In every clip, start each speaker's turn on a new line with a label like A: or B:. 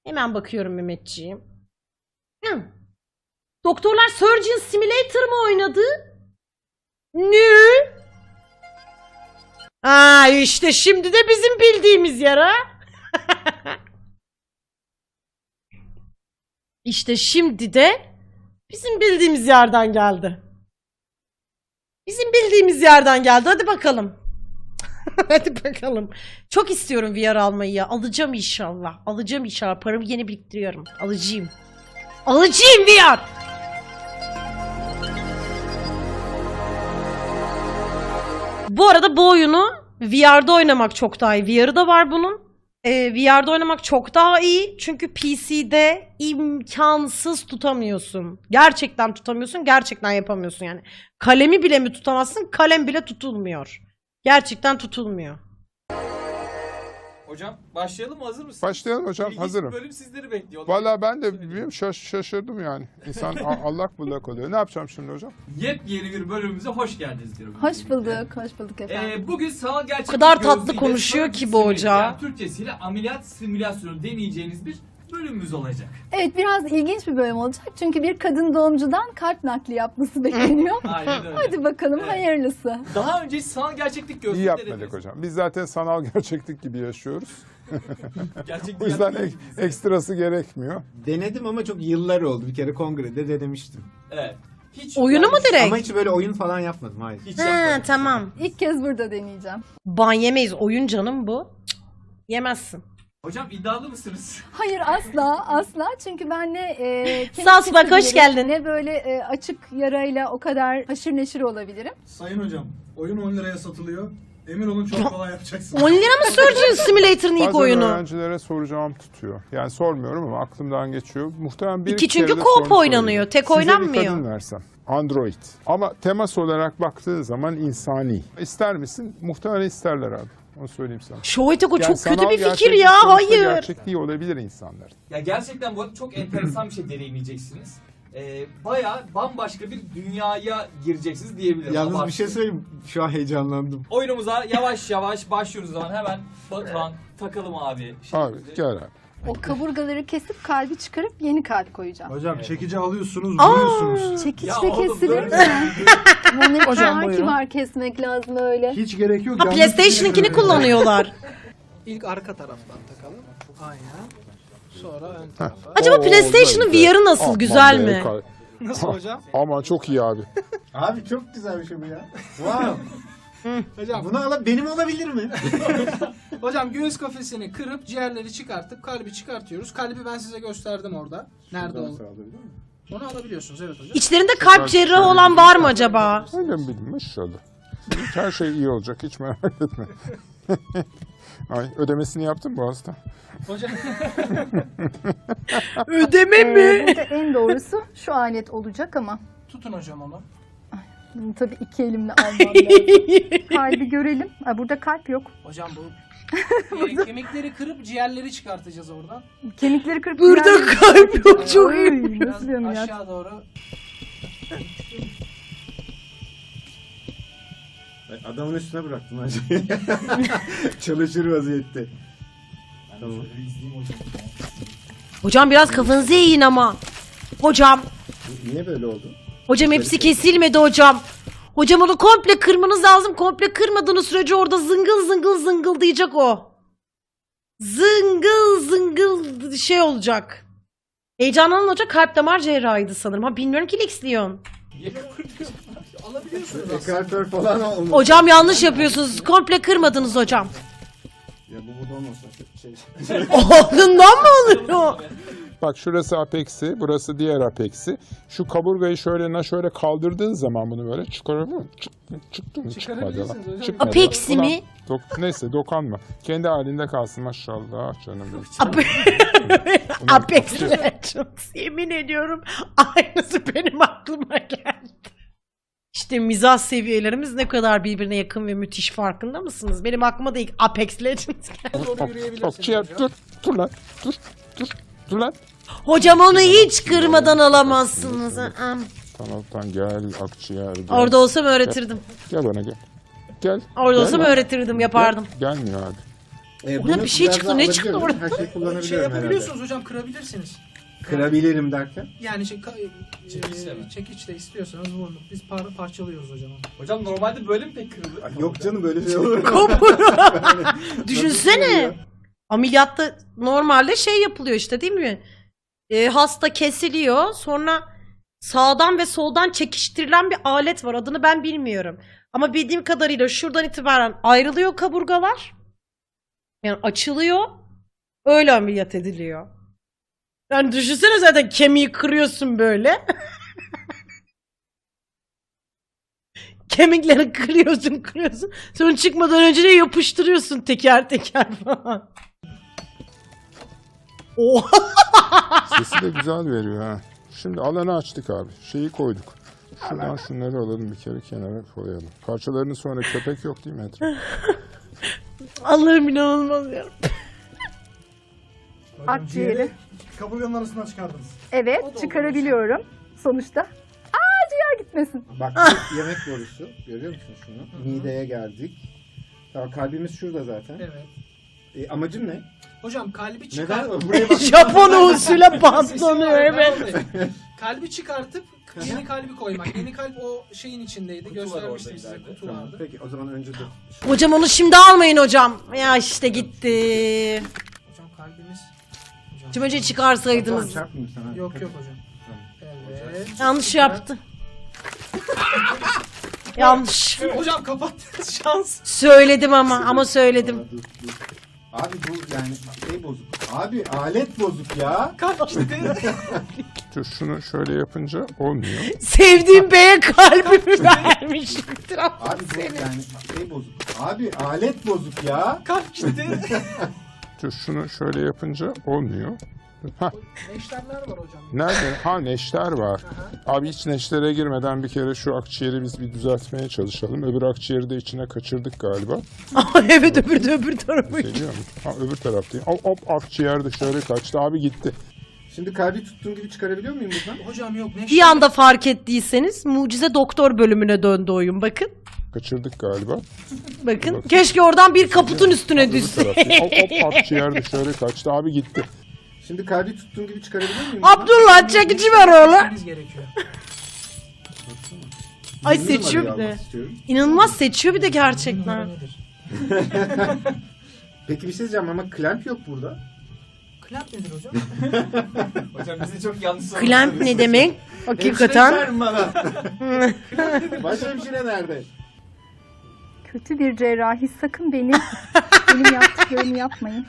A: Hemen bakıyorum Mehmetciğim. Doktorlar Surgeon Simulator mı oynadı? Ne? Aa işte şimdi de bizim bildiğimiz yer ha. İşte şimdi de bizim bildiğimiz yerden geldi. Bizim bildiğimiz yerden geldi. Hadi bakalım. Hadi bakalım. Çok istiyorum VR almayı ya. Alacağım inşallah. Alacağım inşallah. Paramı yeni biriktiriyorum. Alacağım. Alacağım VR. Bu arada bu oyunu VR'da oynamak çok daha iyi. VR'ı da var bunun. VR'da oynamak çok daha iyi. Çünkü PC'de imkansız tutamıyorsun. Gerçekten tutamıyorsun. Gerçekten yapamıyorsun yani. Kalemi bile mi tutamazsın? Kalem bile tutulmuyor. Gerçekten tutulmuyor.
B: Hocam başlayalım mı? Hazır mısınız?
C: Başlayalım hocam,
B: İlginç
C: hazırım.
B: bir bölüm sizleri bekliyor.
C: Vallahi ben de bilmiyorum, şaşırdım yani. İnsan allak bullak oluyor. Ne yapacağım şimdi hocam?
B: Yepyeni bir bölümümüze hoş geldiniz diyorum.
D: Hoş bulduk, hoş bulduk efendim.
B: Bugün sanal gerçeklik
A: O kadar tatlı
B: gözüyle
A: konuşuyor
B: sanal
A: ki bu hoca.
B: yani Türkçesiyle ameliyat simülasyonu deneyeceğiniz bir bölümümüz olacak.
D: Evet, biraz ilginç bir bölüm olacak. Çünkü bir kadın doğumcudan kalp nakli yapması bekleniyor.
B: Aynen öyle.
D: Hadi bakalım,
B: Evet.
D: hayırlısı.
B: Daha önce sanal gerçeklik
C: İyi
B: gözlüğü
C: yapmadık
B: denediniz.
C: hocam. Biz zaten sanal gerçeklik gibi yaşıyoruz.
B: Gerçek
C: O yüzden
B: dünya gibiyiz.
C: ekstrası gerekmiyor.
E: Denedim ama çok yıllar oldu. Bir kere kongrede de denemiştim.
B: Evet. Hiç
A: Oyunu mu direkt?
E: Ama hiç böyle oyun falan yapmadım, hayır.
B: Hiç
A: He
B: yapmadım.
A: tamam.
D: İlk kez burada deneyeceğim.
A: Ban yemeyiz. Oyun canım bu. Cık, yemezsin.
B: Hocam iddialı mısınız?
D: Hayır, asla. Çünkü ben ne kemik
A: Sağ ol, bak, hoş
D: kesebilirim,
A: geldin.
D: ne böyle açık yarayla o kadar haşır neşir olabilirim.
F: Sayın hocam, oyun 10 liraya satılıyor. Emin olun çok kolay yapacaksınız.
A: 10 lira mı Surgeon Simulator'ın ilk
C: Bazen
A: oyunu?
C: öğrencilere soracağım tutuyor. Yani sormuyorum ama aklımdan geçiyor. Muhtemelen bir
A: İki çünkü
C: kere de
A: co-op
C: sormuş
A: oynanıyor,
C: olabilirim.
A: tek
C: Size
A: oynanmıyor.
C: bir kadın versem. Android. Ama temas olarak baktığın zaman insani. İster misin? Muhtemelen isterler abi. Onu söyleyeyim sana.
A: Şoviteko çok kötü
C: sanal
A: bir fikir
C: gerçeklik
A: ya.
C: sonuçta
A: Hayır.
C: Gerçekliği olabilir insanlar.
B: Ya gerçekten bu arada çok enteresan bir şey deneyimleyeceksiniz. Bayağı bambaşka bir dünyaya gireceksiniz diyebilirim.
E: Yalnız bir
B: Abartılı.
E: şey söyleyeyim, şu an heyecanlandım.
B: Oyunumuza yavaş yavaş başlıyoruz o zaman. Hemen Batuhan takalım abi.
C: Abi gel abi.
D: O kaburgaları kesip kalbi çıkarıp yeni kalp koyacağım.
F: Hocam çekici alıyorsunuz,
A: Aa!
F: vuruyorsunuz.
D: Çekiçle
B: Ya oğlum,
D: kesilir
B: böyle-
D: mi? Bunun
F: Hocam,
D: ki
F: buyurun.
D: var, kesmek lazım öyle.
F: Hiç gerek yok.
A: Ha
F: yalnız
A: PlayStation'ınkini
F: size-
A: kullanıyorlar.
G: İlk arka taraftan takalım. Aynen. Sonra ön tarafa.
A: Acaba
C: Oo,
A: PlayStation'ın
C: güzel.
A: VR'ı nasıl?
C: Aman
A: Güzel
C: be,
A: mi?
G: Nasıl hocam?
C: Aman çok iyi abi.
E: Abi çok güzel bir şey bu ya. Wow.
G: Hocam,
E: Bunu benim olabilir mi?
G: hocam göğüs kafesini kırıp ciğerleri çıkartıp kalbi çıkartıyoruz. Kalbi ben size gösterdim orada. Nerede olduğunu. Onu alabiliyorsunuz, evet hocam.
A: İçlerinde kalp cerrahı olan var mı acaba?
C: Öyle mi bildim inşallah. Her şey iyi olacak, hiç merak etme. Ay, ödemesini yaptın mı bu hasta?
G: Hocam,
A: Ödeme mi?
D: Burada en doğrusu şu alet olacak ama
G: tutun hocam onu.
D: bunu tabii iki elimle almam lazım. Kalbi görelim. Ay, burada kalp yok.
G: Hocam bu kemikleri kırıp ciğerleri çıkartacağız oradan.
D: Kemikleri kırıp
A: Burada
D: yani-
A: kalp yok, çok iyi.
D: Ay,
G: Biraz
D: nasıl bir ameliyat?
G: aşağı doğru.
E: Adamın üstüne bıraktım hacı. Çalışır vaziyette. Tamam.
A: Hocam biraz kafanızı eğin ama. Hocam.
E: Niye böyle oldu?
A: Hocam hepsi kesilmedi hocam. Hocam onu komple kırmanız lazım. Komple kırmadığınız sürece orada zıngıl zıngıl zıngıldayacak o. Zıngıl zıngıl şey olacak. Heyecanlanan hoca kalp damar cerrahıydı sanırım. Ha bilmiyorum ki Lex Leon.
G: Alabiliyorsunuz aslında.
E: Ekartör falan olmuş.
A: Hocam yanlış yapıyorsunuz. Komple kırmadınız hocam.
E: Ya bu burada olmasa şey.
A: Ondan mı oluyor?
C: Bak şurası apex'i, burası diğer apex'i. Şu kaburgayı şöyle kaldırdığın zaman bunu böyle çıkarabiliyor musun? Çıktı mı? Çıkmadı lan.
G: Çıkarabilirsiniz hocam.
C: Çıkmadı.
A: Apex'i
C: Ulan,
A: mi?
C: Neyse dokanma. Kendi halinde kalsın maşallah canım benim.
A: Apex Legends. Yemin ediyorum aynısı benim aklıma geldi. İşte mizah seviyelerimiz ne kadar birbirine yakın ve müthiş, farkında mısınız? Benim aklıma da ilk Apex Legends geldi.
G: Doğru yürüyebilirsiniz
C: Ciğer,
G: hocam.
C: dur lan, dur lan.
A: Hocam onu hiç kırmadan alamazsınız.
C: Tamam gel akciğer gel.
A: Orada olsam öğretirdim.
C: Gel bana gel. Gel.
A: Orada
C: Gel
A: olsam
C: lan.
A: öğretirdim, yapardım.
C: Gelmiyor abi.
A: Orada bir şey çıktı. Ne çıktı orada?
E: Her şeyi
G: Şey
E: kullanabiliyorum herhalde.
G: yapabiliyorsunuz hocam, kırabilirsiniz.
E: Kırabilirim derken.
G: Yani
B: Çekiçle mi?
G: çekiçle istiyorsanız vurun. Biz parçalıyoruz hocam.
B: Hocam normalde böyle mi pek kırılır?
E: Yok canım böyle şey olur mu?
A: Düşünsene. Ameliyatta normalde şey yapılıyor işte değil mi? Hasta kesiliyor. Sonra sağdan ve soldan çekiştirilen bir alet var. Adını ben bilmiyorum. Ama bildiğim kadarıyla şuradan itibaren ayrılıyor kaburgalar. Yani açılıyor. Öyle ameliyat ediliyor. Yani düşünsene zaten kemiği kırıyorsun böyle. Kemikleri kırıyorsun. Sonra çıkmadan önce de yapıştırıyorsun teker teker falan. Oha!
C: Sesi de güzel veriyor ha. Şimdi alanı açtık abi. Şeyi koyduk. Şuradan şunları alalım bir kere kenara koyalım. Parçalarını sonra köpek yok değil mi etrafta?
A: Allah'ım inanılmaz ya.
D: Akciğeri.
F: Kaburganın arasından çıkardınız.
D: Evet, çıkarabiliyorum. Sonuçta. Ciğer gitmesin.
E: Bak bu yemek borusu. Görüyor musun şunu? Mideye geldik. Tamam kalbimiz şurada zaten.
G: Evet.
E: Amacın ne?
G: Hocam kalbi çıkar.
E: Neden? Buraya bak.
A: Japon usulüyle bantlanıyor evet.
G: Kalbi çıkartıp yeni kalbi koymak. Yeni kalp o şeyin içindeydi.
B: Kutu var
G: Göstermiştim
B: orada
G: size.
B: ileride.
G: Kutu
E: Tamam,
G: vardı.
E: peki o zaman önce de.
A: Hocam onu şimdi almayın hocam. Ya işte gitti.
G: Hocam kalbimiz.
A: Hocam önce
E: Tamam,
A: çıkarsaydınız.
E: çarpmayayım sana.
G: Yok hocam. Evet.
A: Yanlış yaptı. Yanlış.
G: Hocam kapattınız şans.
A: Söyledim ama söyledim.
E: Dur. Abi bu yani şey bozuk. Abi alet bozuk ya.
G: Kalp gitti.
C: Dur şunu şöyle yapınca olmuyor.
A: Sevdiğim beye kalbimi vermişimdir.
E: Abi bu yani şey bozuk. Abi alet bozuk ya.
G: Kalp gitti.
C: Dur şunu şöyle yapınca olmuyor. Hah,
G: Neşterler var hocam.
C: nerede? Ha neşter var. Abi hiç neştere girmeden bir kere şu akciğeri biz bir düzeltmeye çalışalım. Öbür akciğeri de içine kaçırdık galiba.
A: Evet öbür tarafı.
C: Geliyor mu? Ha öbür taraftayım. Hop akciğer dışarı kaçtı. Abi gitti.
E: Şimdi kalbi tuttuğum gibi çıkarabiliyor muyum buradan?
G: Hocam yok neşter.
A: Bir anda fark ettiyseniz Mucize Doktor bölümüne döndü oyun. Bakın.
C: Kaçırdık galiba.
A: Bakın. Keşke oradan bir kaputun üstüne
C: Öbür
A: düşse.
C: taraftayım. Hop akciğer dışarı kaçtı. Abi gitti.
E: Şimdi kalbi tuttuğum gibi çıkarabiliyor muyum buradan?
A: Abdullah çekici ver oğlum.
G: Gitmeniz gerekiyor.
A: Ay
E: 20
A: seçiyor
E: numarayı
A: bir de.
E: almak istiyorum.
A: İnanılmaz seçiyor bir de gerçekten.
G: Numara nedir?
E: Peki bir şey diyeceğim ama klamp yok burada.
G: Klamp nedir hocam?
B: Hocam bizi çok yanlış
A: Klamp ne demek? Hakikaten.
E: Hemşire bana. Başhemşire nerede?
D: Kötü bir cerrahi sakın benim yaptıklarımı yapmayın.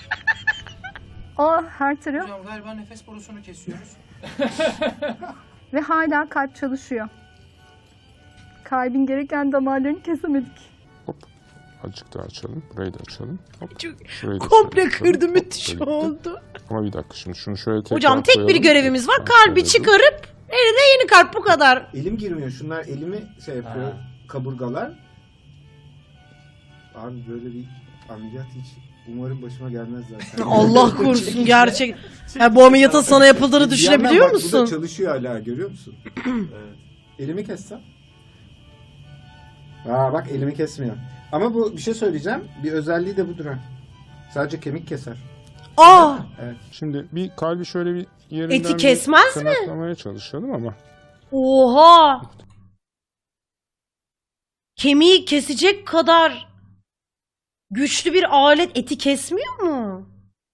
D: Her taraf
G: Hocam galiba nefes borusunu kesiyoruz.
D: ve hala kalp çalışıyor. Kalbin gereken damarlarını kesemedik.
C: Hop. Azıcık daha açalım. Burayı da açalım. Hop.
A: Çok-
C: Şurayı da
A: Komple
C: şöyle açalım.
A: kırdı
C: Hop,
A: müthiş
C: böyle gitti.
A: oldu.
C: Ama bir dakika şimdi şunu şöyle tekrar
A: Hocam tek bir
C: koyalım.
A: görevimiz var.
C: Ha,
A: Kalbi
C: şöyle dur.
A: çıkarıp eline yeni kalp bu kadar.
E: Elim girmiyor. Şunlar elimi şey yapıyor.
B: Ha.
E: Kaburgalar. Abi böyle bir ameliyat hiç umarım başıma gelmez zaten.
A: Allah korusun gerçek. Ya bu ameliyatın sana yapıldığını
E: Bir
A: düşünebiliyor
E: yandan bak, Bu da
A: musun?
E: çalışıyor hala görüyor musun?
B: Evet.
E: Elimi kessem. Bak elimi kesmiyor. Ama bu bir şey söyleyeceğim. Bir özelliği de budur ha. Sadece kemik keser.
A: Aa,
C: Şimdi bir kalbi şöyle bir yerinden
A: Eti
C: bir
A: kesmez mi?
C: tırnaklamaya çalışalım ama.
A: oha. Kemiği kesecek kadar güçlü bir alet eti kesmiyor mu?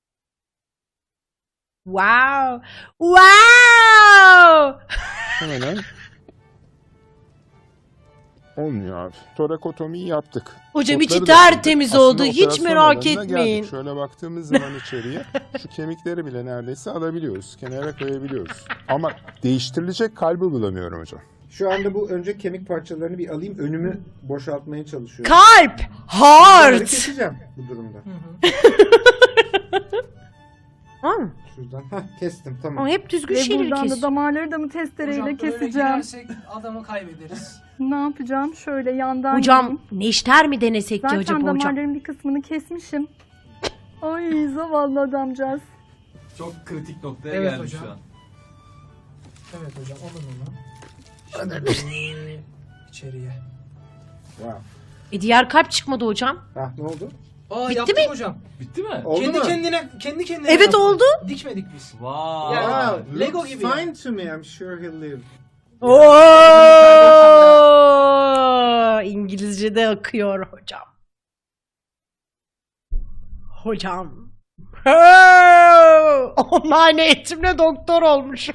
A: Wow. Wow.
C: Hemen olmuyor abi. Torakotomiyi yaptık.
A: Hocam içi
C: Otları da
A: tertemiz
C: yaptık.
A: oldu.
C: Aslında
A: Hiç
C: operasyon
A: merak
C: alanına
A: etmeyin.
C: geldik. Şöyle baktığımız zaman içeriye şu kemikleri bile neredeyse alabiliyoruz. Kenara koyabiliyoruz. Ama değiştirilecek kalbi bulamıyorum hocam.
E: Şu anda bu önce kemik parçalarını bir alayım. Önümü boşaltmaya çalışıyorum.
A: Kalp.
E: Bunları
A: Heart.
E: keseceğim bu durumda.
A: Ha,
E: Şuradan. Kestim tamam.
A: ama hep düzgün
D: Ve
A: şeyleri
D: buradan da
A: kesiyor.
D: damarları da mı testereyle
G: Hocam böyle
D: keseceğim?
G: girersek adamı kaybederiz.
D: Ne yapacağım? Şöyle yandan
A: Hocam
D: gideyim.
A: neşter mi denesek ki
D: Zaten
A: acaba hocam?
D: damarların bir kısmını kesmişim. Ay zavallı adamcağız.
B: Çok kritik noktaya
G: Evet
B: geldik
G: hocam.
B: şu an.
G: Evet hocam alın onu. İçeriye.
E: Wow.
A: Diğer kalp çıkmadı hocam.
E: Ne oldu?
G: Aa
A: Bitti
G: yaptık
A: mi?
G: hocam.
B: Bitti mi?
E: Oldu
G: kendi
E: mu?
G: kendine
A: Evet,
G: yaptık.
A: oldu.
G: Dikmedik biz.
B: Vay.
G: Yani
E: Wow,
G: Lego
E: looks
G: gibi yani.
E: fine to me. I'm sure he'll live.
A: Oo! İngilizce'de akıyor hocam. Hocam. Online eğitimle doktor olmuş.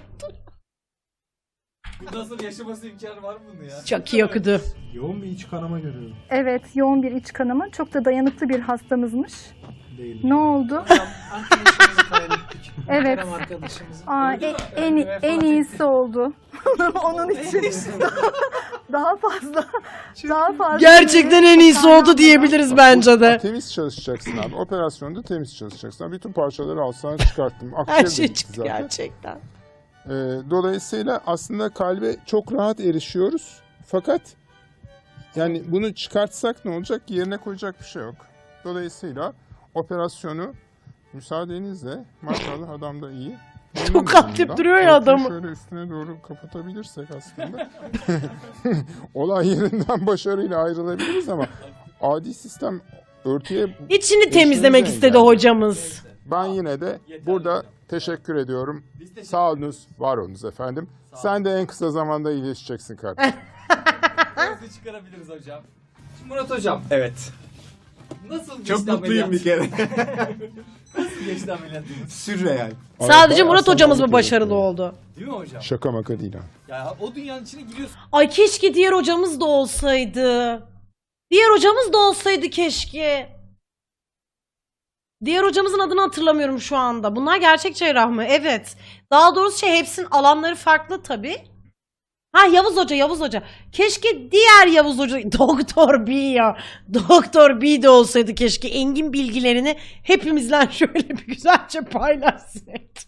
B: Nasıl yaşaması imkanı var mı bunun ya?
A: Çok iyi okudu.
F: Yoğun bir iç kanama görüyorum.
D: Evet, yoğun bir iç kanama. Çok da dayanıklı bir hastamızmış.
F: Değil.
D: Ne oldu?
G: Hocam arkadaşımızı kaybettik.
D: Evet.
G: Kerem arkadaşımızı.
D: Aa, en iyisi oldu. Onun için daha fazla.
A: Gerçekten en iyisi oldu diyebiliriz bence de.
C: Temiz çalışacaksın abi. Operasyonda temiz çalışacaksın. Abi, bütün parçaları alsan çıkarttım.
A: Her
C: Akciğer
A: şey
C: de bitti
A: çıktı
C: zaten.
A: gerçekten.
C: Dolayısıyla aslında kalbe çok rahat erişiyoruz. Fakat yani bunu çıkartsak ne olacak? Yerine koyacak bir şey yok. Dolayısıyla operasyonu müsaadenizle, maşallah adam da iyi.
A: Çok atlayıp duruyor ya
C: Örtüyü
A: adamı.
C: Şöyle üstüne doğru kapatabilirsek aslında olay yerinden başarıyla ayrılabiliriz ama adi sistem örtüye...
A: İçini temizlemek
C: İşinize
A: istedi
C: geldi.
A: hocamız.
C: Ben yine de burada teşekkür ediyorum.
B: Biz de
C: Sağ olunuz, var olunuz efendim. Sen de en kısa zamanda iyileşeceksin kardeşim.
B: gözü çıkarabiliriz hocam. Şimdi Murat hocam.
E: Evet.
B: Nasıl geçti
E: Çok mutluyum
B: ameliyat?
E: bir kere.
B: Nasıl geçti ameliyatınız?
E: Sürreal.
A: Sadece
C: Bayağı
A: Murat hocamız mı
C: sağlıklı
A: başarılı
C: yapıyor.
A: oldu?
B: Değil mi hocam?
C: Şaka maka değil ha.
B: Ya o dünyanın içine giriyorsun.
A: Ay keşke diğer hocamız da olsaydı. Diğer hocamız da olsaydı keşke. Diğer hocamızın adını hatırlamıyorum şu anda. Bunlar gerçek cerrah mı? Evet. Daha doğrusu hepsinin alanları farklı tabii. Ha Yavuz Hoca. Keşke diğer Yavuz Hoca, Doktor B ya. Doktor B de olsaydı keşke. Engin bilgilerini hepimizle şöyle bir güzelce paylaşsaydı.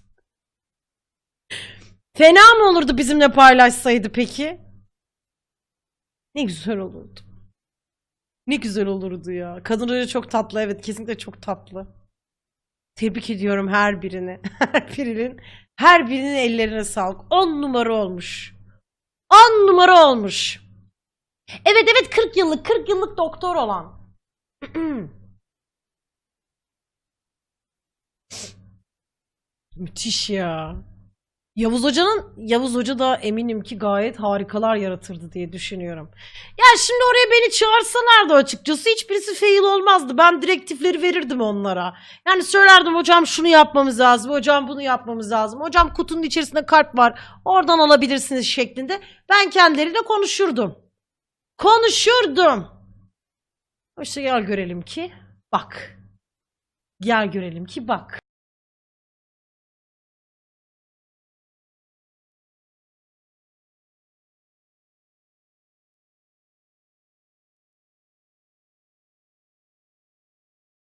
A: Fena mı olurdu bizimle paylaşsaydı peki? Ne güzel olurdu. Ne güzel olurdu ya. Kadın hoca çok tatlı, evet, kesinlikle çok tatlı. Tebrik ediyorum her birini. Her birinin ellerine sağlık. 10 numara olmuş. 10 numara olmuş. Evet 40 yıllık doktor olan. Müthiş ya. Yavuz Hoca da eminim ki gayet harikalar yaratırdı diye düşünüyorum. Ya şimdi oraya beni çağırsalardı açıkçası hiçbirisi fail olmazdı. Ben direktifleri verirdim onlara. Yani söylerdim hocam şunu yapmamız lazım, hocam bunu yapmamız lazım. Hocam kutunun içerisinde kalp var, oradan alabilirsiniz şeklinde. Ben kendileriyle konuşurdum. İşte gel görelim ki bak.